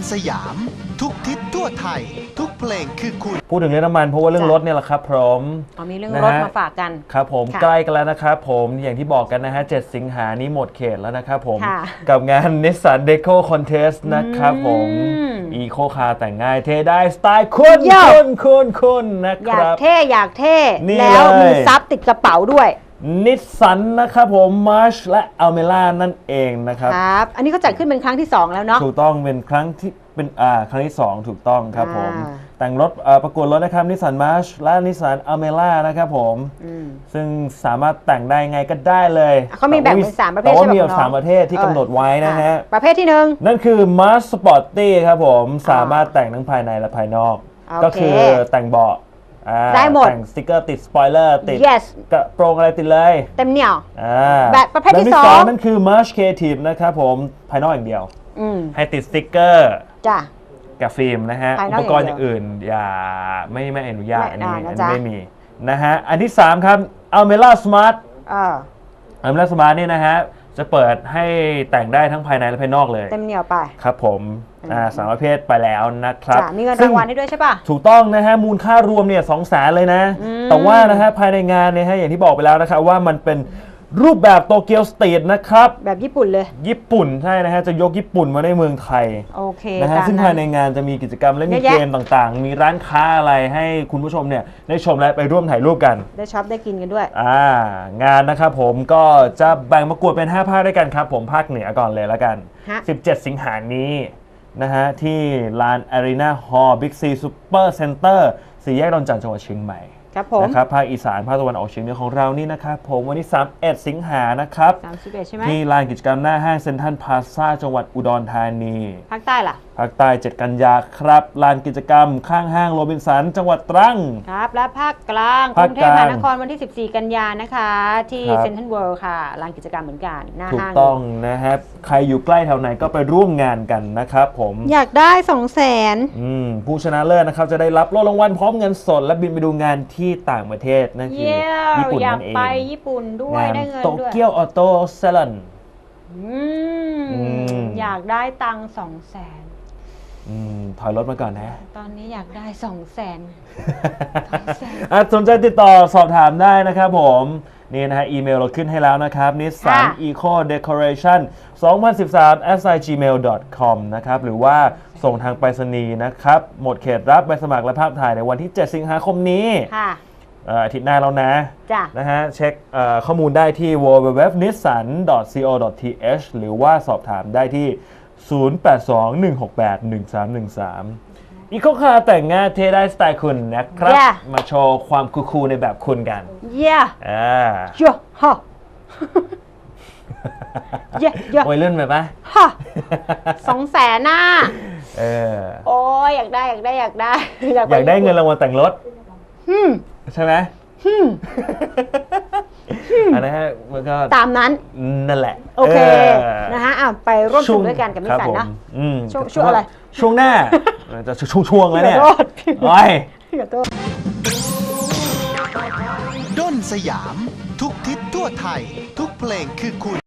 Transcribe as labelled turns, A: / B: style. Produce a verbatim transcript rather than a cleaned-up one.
A: สยามทุกทิศทั่วไทยทุกเพลงคือคุณ
B: พูดถึงเรื่องน้ำมันเพราะว่าเรื่องรถเนี่ยแหละครับพร้อม
C: มีเรื่องรถมาฝากกัน
B: ครับผมใกล้กันแล้วนะครับผมอย่างที่บอกกันนะฮะเจ็ดสิงหานี้หมดเขตแล้วนะครับผมกับงาน Nissan Deco Contest นะครับผมอีโคคาร์แต่งง่ายเท่ได้สไตล์คุณคุณคุณคุณนะครับ
C: อยากเท่อยากเท่แล้วมีซับติดกระเป๋าด้วย
B: นิสสันนะครับผมมาร์ชและอัลเมล่านั่นเองนะครับ
C: ครับอันนี้ก็จัดขึ้นเป็นครั้งที่สองแล้วเนาะ
B: ถูกต้องเป็นครั้งที่เป็นอ่าครั้งที่สองถูกต้องครับผมแต่งรถประกวดรถนะครับนิสสันมาร์ชและนิสสันอัลเมล่านะครับผมซึ่งสามารถแต่งได้ไงก็ได้เลย
C: เขามีแบ่งเป็นสามประเภท
B: แต่ว่ามีสามประเภทที่กำหนดไว้นะฮะ
C: ประเภทที่หนึ่ง
B: นั่นคือมาร์ชสปอร์ตตี้ครับผมสามารถแต่งทั้งภายในและภายนอกก็คือแต่งเบาะ
C: ได้หมด
B: แต่งสติ๊กเกอร์ติดสปอยเลอร์ติด
C: yes
B: กระโปรงอะไรติดเลย
C: เต็มเหนี่ยว
B: แบบ
C: ประเภทที่สอง
B: นั่นคือ March Creative นะครับผมภายนอกอย่างเดียวให้ติดสติ๊กเกอร์
C: จ้ะ
B: กับฟิล์มนะฮะอุปกรณ์อย่างอื่นอย่าไม่ไม่อนุญาตอันนี้อันนี้ไม่มีนะฮะอันที่สามครับ Almera Smart Almera Smart นี่นะฮะจะเปิดให้แต่งได้ทั้งภายในและภายนอกเลย
C: เต็มเหนี่ยวไป
B: ครับผมอ่าสามประเภทไปแล้วนะครับ
C: มีเงินรางวัลให้ด้วยใช่ป่ะ
B: ถูกต้องนะฮะมูลค่ารวมเนี่ยสองแสนเลยนะแต่ว่านะฮะภายในงานเนี่ยฮะอย่างที่บอกไปแล้วนะครับว่ามันเป็นรูปแบบโตเกียวสตรีทนะครับ
C: แบบญี่ปุ่นเลย
B: ญี่ปุ่นใช่นะฮะจะยกญี่ปุ่นมาในเมืองไทย
C: โอเค
B: นะฮะซึ่งภายในงานจะมีกิจกรรมและมีเกมต่างๆมีร้านค้าอะไรให้คุณผู้ชมเนี่ยได้ชมและไปร่วมถ่ายรูปกัน
C: ได้ช็อปได้กินกันด้วย
B: อ่างานนะครับผมก็จะแบ่งประกวดเป็นห้าภาคด้วยกันครับผมภาคเหนือก่อนเลยแล้วกันสิบเจ็ดสิงหาคมนี้นะฮะที่ลาน Arena Hall Big C Super Center สี่แยกดอนจันทร์จังหวัดเชียงใหม่นะครับภาคอีสานภาคตะวันออกเฉียงเหนือของเรานี่นะครับผมวันที่สามสิบเอ็ดสิงหานะครับ
C: สามสิบเอ็ดใช่ไหม
B: ที่ลานกิจกรรมหน้าห้างเซ็นทรัลพลาซ่าจังหวัดอุดรธานี
C: ภาคใต้ล่ะ
B: ภาคใต้เจ็ดกันยาครับลานกิจกรรมข้างห้างโรบินสันจังหวัดตรัง
C: ครับและภาคกลางกรุงเทพมหานครวันที่สิบสี่กันยานะคะที่เซ็นทรัลเวิลด์ค่ะลานกิจกรรมเหมือนกันหน้าห้าง
B: ถูกต้องนะครับใครอยู่ใกล้แถวไหนก็ไปร่วมงานกันนะครับผม
C: อยากได้สองแสน
B: ผู้ชนะเลิศนะครับจะได้รับโล่รางวัลพร้อมเงินสดและบินไปดูงานที่ต่างประเทศนั่นคือญี่ปุ่นนั่นเอง
C: อยากไปญี่ปุ่นด้วยได้เงินด้วย
B: โตเกียวออโต้เซลล์
C: อยากได้ตังค์สองแสน
B: ถอยรถมาก่อนนะ
C: ตอนนี้อยากได้สองแสน
B: สนใจติดต่อสอบถามได้นะครับผมนี่นะฮะอีเมลเราขึ้นให้แล้วนะครับ Nissan Eco Decoration สองพันสิบสาม แอท จีเมล ดอท คอม นะครับหรือว่าส่งทางไปรษณีย์นะครับหมดเขตรับใบสมัครและภาพถ่ายในวันที่เจ็ดสิงหาคมนี้อาทิตย์หน้าแล้วนะนะฮะเช็คข้อมูลได้ที่ ดับเบิลยู ดับเบิลยู ดับเบิลยู ดอท นิสสัน ดอท ซี โอ ดอท ที เอช หรือว่าสอบถามได้ที่ ศูนย์ แปด สอง หนึ่ง หก แปด หนึ่ง สาม หนึ่ง สาม อีโคคาร์แต่งง่ายเท่ได้สไตล์คุณนะครับ
C: yeah.
B: มาโชว์ความคูลๆในแบบคุณกัน
C: เย่
B: อ่า
C: เยอะฮะเยอะเยอะ
B: โอ้ยเลื่อนไปปะ
C: ฮะสองแสนน่ะ
B: เออ
C: โอ้ยอยากได้อยากได้อยากได้
B: อยากได้เงินรางวัลแต่งรถใช่ไหมอันนั้นฮะมันก็
C: ตามนั้น
B: นั่นแหละ
C: โอเคนะฮะอ่ะไปร่วมสนุกด้วยกันกับนิสสันนะช่วงช่วงอะไร
B: ช่วงหน้าจะช่วงช่วงแล้วเนี่ยโอ้ย
A: ด้นสยามทุกทิศทั่วไทยทุกเพลงคือคุณ